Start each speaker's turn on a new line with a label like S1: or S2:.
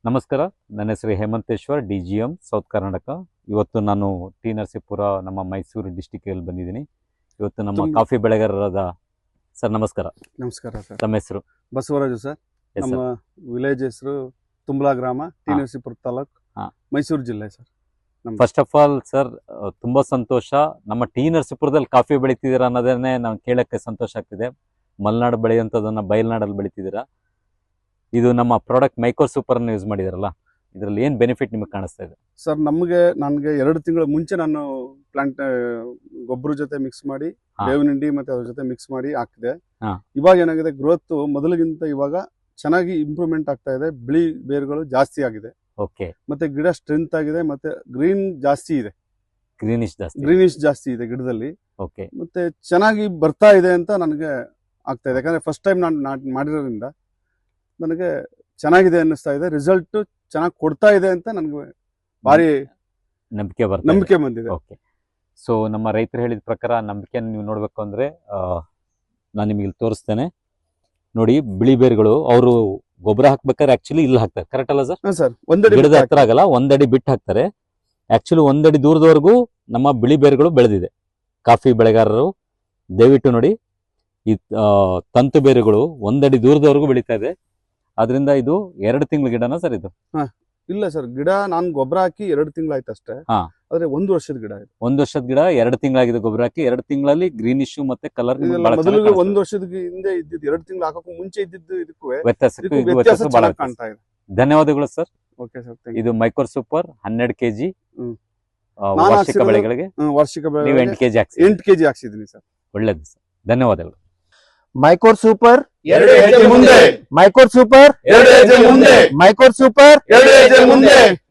S1: ನಮಸ್ಕಾರ, ನನ್ನ ಹೆಸರು ಹೇಮಂತೇಶ್ವರ್, DGM ಸೌತ್ ಕರ್ನಾಟಕ. ಇವತ್ತು ನಾನು ಟಿ ನರಸೀಪುರ ನಮ್ಮ ಮೈಸೂರು ಡಿಸ್ಟಿಕಲ್ಲಿ ಬಂದಿದ್ದೀನಿ. ಇವತ್ತು ನಮ್ಮ ಕಾಫಿ ಬೆಳೆಗಾರರಾದ ಸರ್ ನಮಸ್ಕಾರ.
S2: ನಮಸ್ಕಾರ ಸರ್.
S1: ತಮ್ಮ ಹೆಸರು?
S2: ಬಸವರಾಜು ಸರ್. ನಮ್ಮ ವಿಲೇಜ್ ಹೆಸರು ತುಂಬಲಾ ಗ್ರಾಮ, ಟಿ ನರಸೀಪುರ ತಾಲೂಕ್, ಮೈಸೂರು ಜಿಲ್ಲೆ sir.
S1: First of all sir, ತುಂಬಾ ಸಂತೋಷ. ನಮ್ಮ ಟಿ ನರಸೀಪುರದಲ್ಲಿ ಕಾಫಿ ಬೆಳಿತಿದ್ದೀರಾ ಅನ್ನೋದನ್ನೇ ನಾವು ಕೇಳಕ್ಕೆ ಸಂತೋಷ ಆಗ್ತಿದೆ. ಮಲೆನಾಡು ಬೆಳೆಯುವಂಥದ್ದನ್ನ ಬಯಲ್ನಾಡಲ್ಲಿ ಬೆಳಿತಿದ್ದೀರಾ. ಇದು ನಮ್ಮ ಪ್ರಾಡಕ್ಟ್ ಮೈಕ್ರೋ ಸೂಪರ್ ಅನ್ನು ಯೂಸ್ ಮಾಡಿದಾರಲ್ಲ, ಇದರಲ್ಲಿ ಏನು ಬೆನಿಫಿಟ್ ನಿಮಗೆ ಕಾಣಿಸ್ತಾ ಇದೆ
S2: ಸರ್? ನನಗೆ 2 ತಿಂಗಳ ಮುಂಚೆ ನಾನು ಪ್ಲಾಂಟ್ ಗೊಬ್ಬರ ಜೊತೆ ಮಿಕ್ಸ್ ಮಾಡಿ, ಬೇವಿನ ಹಿಂಡಿ ಮತ್ತೆ ಅದ್ರ ಜೊತೆ ಮಿಕ್ಸ್ ಮಾಡಿ ಹಾಕಿದೆ. ಇವಾಗ ಏನಾಗಿದೆ, ಗ್ರೋತ್ ಮೊದಲಿಗಿಂತ ಇವಾಗ ಚೆನ್ನಾಗಿ ಇಂಪ್ರೂವ್ಮೆಂಟ್ ಆಗ್ತಾ ಇದೆ. ಬಿಳಿ ಬೇರುಗಳು ಜಾಸ್ತಿ ಆಗಿದೆ.
S1: ಓಕೆ.
S2: ಮತ್ತೆ ಗಿಡ ಸ್ಟ್ರೆಂತ್ ಆಗಿದೆ, ಮತ್ತೆ ಗ್ರೀನ್ ಜಾಸ್ತಿ ಇದೆ, ಗ್ರೀನಿಶ್ ಜಾಸ್ತಿ ಇದೆ ಗಿಡದಲ್ಲಿ.
S1: ಓಕೆ.
S2: ಮತ್ತೆ ಚೆನ್ನಾಗಿ ಬರ್ತಾ ಇದೆ ಅಂತ ನನಗೆ ಆಗ್ತಾ ಇದೆ. ಯಾಕಂದ್ರೆ ಫಸ್ಟ್ ಟೈಮ್ ನಾನು ಮಾಡಿರೋದ್ರಿಂದ ನನಗೆ ಚೆನ್ನಾಗಿದೆ ಅನ್ನಿಸ್ತಾ ಇದೆ. ರಿಸಲ್ಟ್ ಚೆನ್ನಾಗಿ ಕೊಡ್ತಾ ಇದೆ ಅಂತ ನನಗೆ ಭಾರಿ ನಂಬಿಕೆ ಬಂದಿದೆ.
S1: ಓಕೆ. ಸೊ ನಮ್ಮ ರೈತರು ಹೇಳಿದ ಪ್ರಕಾರ ನಂಬಿಕೆಯನ್ನು ನೀವು ನೋಡ್ಬೇಕು ಅಂದ್ರೆ ನಾನು ನಿಮಗೆ ಇಲ್ಲಿ ತೋರಿಸ್ತೇನೆ ನೋಡಿ. ಬಿಳಿ ಬೇರುಗಳು ಅವರು ಗೊಬ್ಬರ ಹಾಕ್ಬೇಕಾದ್ರೆ ಆಕ್ಚುಲಿ ಇಲ್ಲಿ ಹಾಕ್ತಾರೆ, ಕರೆಕ್ಟ್ ಅಲ್ಲ ಸರ್?
S2: ಸರ್,
S1: ಗಿಡದ ಹತ್ರ ಆಗಲ್ಲ, 1 ಅಡಿ ಬಿಟ್ಟು ಹಾಕ್ತಾರೆ. ಆಕ್ಚುಲಿ 1 ಅಡಿ ದೂರದವರೆಗೂ ನಮ್ಮ ಬಿಳಿ ಬೇರುಗಳು ಬೆಳೆದಿದೆ. ಕಾಫಿ ಬೆಳೆಗಾರರು ದಯವಿಟ್ಟು ನೋಡಿ, ಈ ತಂತು ಬೇರುಗಳು 1 ಅಡಿ ದೂರದವರೆಗೂ ಬೆಳೀತಾ ಇದೆ. ಅದರಿಂದ ಇದು 2 ತಿಂಗಳ ಗಿಡನ ಸರ್ ಇದು?
S2: ಇಲ್ಲ ಸರ್, ಗಿಡ ನಾನು ಗೊಬ್ಬರ ಹಾಕಿ 2 ತಿಂಗಳಾಯ್ತು ಅಷ್ಟೇ. ಆದ್ರೆ 1 ವರ್ಷದ ಗಿಡ ಇದು.
S1: 1 ವರ್ಷದ ಗಿಡ 2 ತಿಂಗಳಾಗಿದೆ ಗೊಬ್ಬರ ಹಾಕಿ. 2 ತಿಂಗಳಲ್ಲಿ ಗ್ರೀನಿಶ್ ಮತ್ತೆ ಕಲರ್
S2: ಮೊದಲಿಗೆ 1 ವರ್ಷದ ಹಿಂದೆ ಇದ್ದಿದ್ದು 2 ತಿಂಗಳು ಹಾಕಕ್ಕೂ ಮುಂಚೆ ಇದ್ದಿದ್ದು ಇದಕ್ಕೂ
S1: ವ್ಯತ್ಯಾಸ ಬಹಳ ಕಾಣ್ತಾ ಇದೆ. ಧನ್ಯವಾದಗಳು ಸರ್.
S2: Okay sir.
S1: ಇದು ಮೈಕ್ರೋ ಸೂಪರ್ 12 kg ವಾರ್ಷಿಕ ಬೆಳೆಗಳಿಗೆ.
S2: ವಾರ್ಷಿಕ ಬೆಳೆ
S1: 8 kg
S2: 8 kg ಹಾಕ್ಸಿದ್ದೀನಿ ಸರ್.
S1: ಒಳ್ಳೇದು ಸರ್, ಧನ್ಯವಾದಗಳು.
S3: ಮೈಕ್ರೋ ಸೂಪರ್
S2: 2 ಹೆಜ್ಜೆ ಮುಂದೆ,
S3: ಮೈಕ್ರೋ ಸೂಪರ್
S2: 2 ಹೆಜ್ಜೆ ಮುಂದೆ,
S3: ಮೈಕ್ರೋ ಸೂಪರ್
S2: 2 ಹೆಜ್ಜೆ ಮುಂದೆ.